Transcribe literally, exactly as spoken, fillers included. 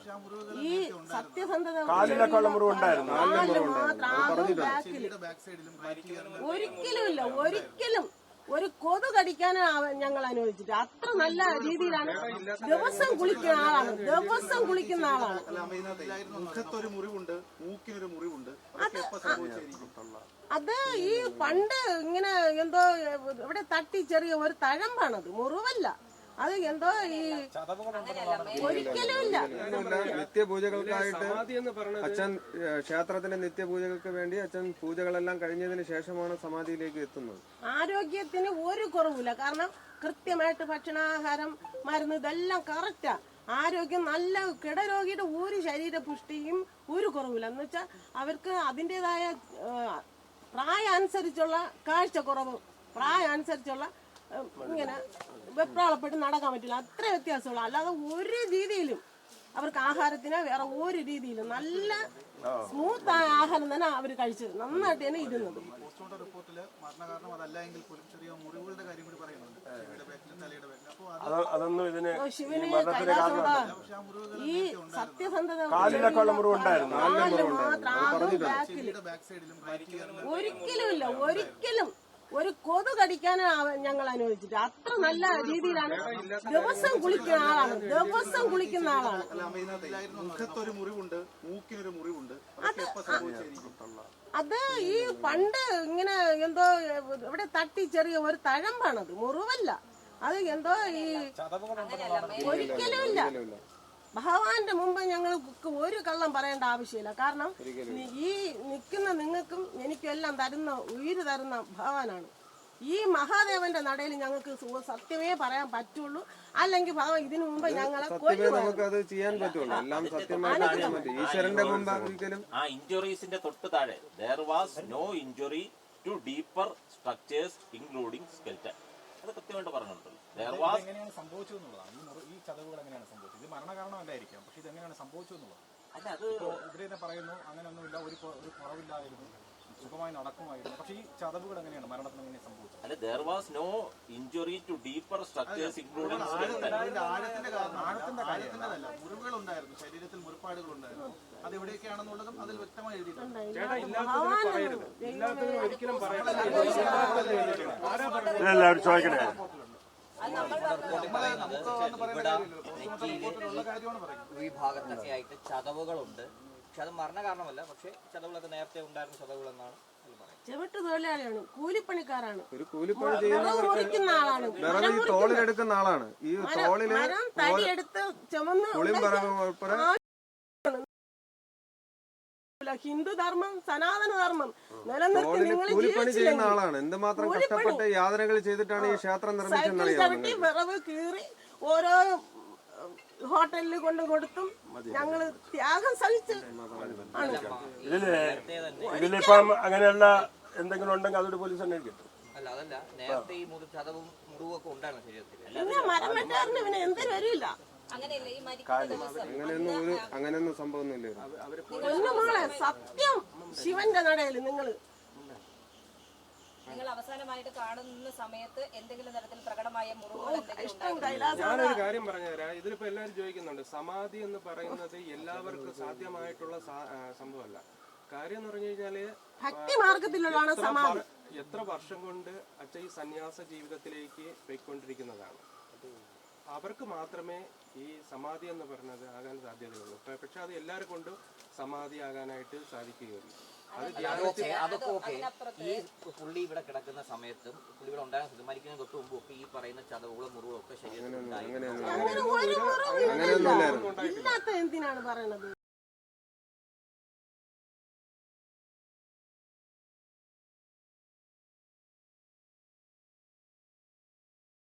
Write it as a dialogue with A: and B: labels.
A: ഈ സത്യസന്ധത ഒരിക്കലും ഇല്ല, ഒരിക്കലും ഒരു കൊതു കടിക്കാനാണ് ഞങ്ങൾ അനുവദിച്ചിട്ട്. അത്ര നല്ല രീതിയിലാണ്. ദിവസം കുളിക്കുന്ന ആളാണ്, ദിവസം കുളിക്കുന്ന ആളാണ്. അത് ഈ പണ്ട് ഇങ്ങനെ എന്തോ ഇവിടെ തട്ടി ചെറിയ ഒരു തഴമ്പാണത്, മുറിവല്ല. അത് എന്തോ ഈ ഒരിക്കലും ഇല്ല.
B: നിത്യപൂജകൾക്കായിട്ട് അച്ഛൻ ക്ഷേത്രത്തിന്റെ നിത്യപൂജകൾക്ക് വേണ്ടി അച്ഛൻ പൂജകളെല്ലാം കഴിഞ്ഞതിന് ശേഷമാണ് സമാധിയിലേക്ക് എത്തുന്നത്.
A: ആരോഗ്യത്തിന് ഒരു കുറവില്ല. കാരണം കൃത്യമായിട്ട് ഭക്ഷണാഹാരം, മരുന്ന് ഇതെല്ലാം കറക്റ്റാ. ആരോഗ്യം നല്ല, കിടരോഗിയുടെ ഒരു ശരീരപുഷ്ടിയും ഒരു കുറവില്ല. എന്ന് വെച്ചാൽ അവർക്ക് അതിൻ്റെതായ പ്രായം അനുസരിച്ചുള്ള കാഴ്ചക്കുറവ്, പ്രായം അനുസരിച്ചുള്ള ഇങ്ങനെ വെപ്രാളപ്പെട്ട് നടക്കാൻ പറ്റില്ല. അത്ര വ്യത്യാസമുള്ള, അല്ലാതെ ഒരു രീതിയിലും അവർക്ക് ആഹാരത്തിന് വേറെ ഒരു രീതിയിലും നല്ല സ്മൂത്ത് ആയ ആഹാരം തന്നെ അവർ കഴിച്ചത്. നന്നായിട്ട് തന്നെ ഇരുന്നത്. ശിവന് കൈലാസോടാ ഈ സത്യസന്ധത ഒരിക്കലും ഇല്ല, ഒരിക്കലും ഒരു കൊതു കടിക്കാനാണ് ഞങ്ങൾ അനുവദിച്ചിട്ട്. അത്ര നല്ല രീതിയിലാണ്. ദിവസം കുളിക്കുന്ന ആളാണ്, ദിവസം കുളിക്കുന്ന ആളാണ്. അത് ഈ പണ്ട് ഇങ്ങനെ എന്തോ ഇവിടെ തട്ടി ചെറിയ ഒരു തഴമ്പാണത്, മുറിവല്ല. അത് എന്തോ ഈ ഒരിക്കലും ഇല്ല. ഭഗവാന്റെ മുമ്പ് ഞങ്ങൾക്ക് ഒരു കള്ളം പറയേണ്ട ആവശ്യമില്ല. കാരണം ഈ നിൽക്കുന്ന നിങ്ങൾക്കും എനിക്കും എല്ലാം തരുന്ന, ഉയിര് തരുന്ന ഭഗവാനാണ്. ഈ മഹാദേവന്റെ നടയിൽ ഞങ്ങൾക്ക് സത്യമേ പറയാൻ പറ്റുള്ളൂ. അല്ലെങ്കിൽ ഭഗവാൻ ഇതിനു മുമ്പ് ഞങ്ങളെ
B: നമുക്കത് ചെയ്യാൻ പറ്റുള്ളൂ. എല്ലാം സത്യമായിട്ട് ഈശ്വരന്റെ മുമ്പ് ഒരിക്കലും.
C: ആ ഇഞ്ചുറീസിന്റെ തൊട്ട് താഴെ there was no injury to deeper structures including skeleton. അത് കൃത്യമായിട്ട് പറഞ്ഞിട്ടുണ്ട്.
D: എങ്ങനെയാണ് സംഭവിച്ചു എന്നുള്ളതാണ്. ഈ ചതവുകൾ എങ്ങനെയാണ് സംഭവിച്ചത്? ഇത് മരണകാരണമല്ലായിരിക്കാം, പക്ഷെ ഇത് എങ്ങനെയാണ് സംഭവിച്ചു എന്നുള്ളത്.
C: അല്ല, അത്
D: ഇവിടെ പറയുന്നു അങ്ങനെയൊന്നുമില്ല, ഒരു ഒരു കുറവില്ലായിരുന്നു, സുഖമായി നടക്കുമായിരുന്നു. പക്ഷെ ഈ ചതവുകൾ എങ്ങനെയാണ് മരണത്തിന് എങ്ങനെ സംഭവിച്ചത്?
C: അല്ല, there was no injury to deeper structures including skeleton.
D: ആഴത്തിന്റെ കാരണം ആഴത്തിന്റെ കാര്യത്തിൻ്റെതല്ല, മുറിവുകൾ ഉണ്ടായിരുന്നു, ശരീരത്തിൽ മുറിപ്പാടുകൾ ഉണ്ടായിരുന്നു. അത് എവിടെയൊക്കെയാണെന്നുള്ളതും അതിൽ വ്യക്തമായി എഴുതിയിട്ടുണ്ട്.
E: ഈ ഭാഗത്തൊക്കെ ആയിട്ട് ചതവുകളുണ്ട്. പക്ഷെ അത് മരണ കാരണമല്ല, പക്ഷെ ചതവുകളൊക്കെ നേരത്തെ ഉണ്ടായിരുന്ന ചതവുകൾ എന്നാണ്
A: ചെവിട്ട് തൊഴിലാളിയാണ്, കൂലിപ്പണിക്കാരാണ്,
B: ഒരു കൂലിപ്പണി ചെയ്യുന്ന ആളാണ്, തോളിലെടുക്കുന്ന ആളാണ്. ഈ തോളില്
A: തടിയെടുത്ത് ചുമന്ന് ഹിന്ദുധർമ്മം, സനാതനധർമ്മം നിലനിർത്തി നിങ്ങൾ
B: കൂലിപ്പണി ചെയ്യുന്ന ആളാണ്. എന്തുമാത്രം കഷ്ടപ്പെട്ട് യാതനകൾ ചെയ്തിട്ടാണ് ഈ ക്ഷേത്രം നിർമ്മിച്ചത്.
A: വിറവ് കീറി ഓരോ ഹോട്ടലിൽ കൊണ്ട് കൊടുത്തും ഞങ്ങള് ത്യാഗം സഹിച്ച്
F: ഇതിലിപ്പം അങ്ങനെയുള്ള എന്തെങ്കിലും ഉണ്ടെങ്കിൽ അതൊരു പോലീസ് അന്വേഷിക്കും.
A: പിന്നെ മരം വെട്ടാറിന് പിന്നെ എന്തിനും വരില്ല.
B: അങ്ങനെയൊന്നും ഒരു അങ്ങനെയൊന്നും സംഭവമൊന്നുമില്ല.
A: മോളെ സത്യം ശിവന്റെ നടയില് നിങ്ങള്
G: നിങ്ങൾ അവസാനമായിട്ട് കാണുന്ന സമയത്ത് എന്തെങ്കിലും തരത്തിൽ പ്രകടമായ മുറിവുകൾ?
H: ഞാനൊരു കാര്യം പറഞ്ഞുതരാം. ഇതിലിപ്പോ എല്ലാവരും ചോദിക്കുന്നുണ്ട്, സമാധി എന്ന് പറയുന്നത് എല്ലാവർക്കും സാധ്യമായിട്ടുള്ള സംഭവമല്ല. കാര്യം എന്ന് പറഞ്ഞു കഴിഞ്ഞാല്
A: ഭക്തി മാർഗത്തിലുള്ളതാണ് സമാധി.
H: എത്ര വർഷം കൊണ്ട് അച്ഛൻ ഈ സന്യാസ ജീവിതത്തിലേക്ക് പോയിക്കൊണ്ടിരിക്കുന്നതാണ്. അവർക്ക് മാത്രമേ ഈ സമാധി എന്ന് പറയുന്നത് ആകാൻ സാധ്യതയുള്ളൂ. പക്ഷെ അത് എല്ലാവരും കൊണ്ടും സമാധി ആകാനായിട്ട് സാധിക്കുകയുള്ളൂ.
E: അതൊക്കെ ഓക്കെ. ഈ പുള്ളി ഇവിടെ കിടക്കുന്ന സമയത്തും പുള്ളി ഇവിടെ ഉണ്ടാകുന്ന മരിക്കുന്നതിന് തൊട്ട് മുമ്പ് ഒക്കെ ഈ പറയുന്ന ചതവുകളും മുറിവുകളും ഒക്കെ ശരീരത്തിൽ
A: എന്തിനാണ് പറയണത്?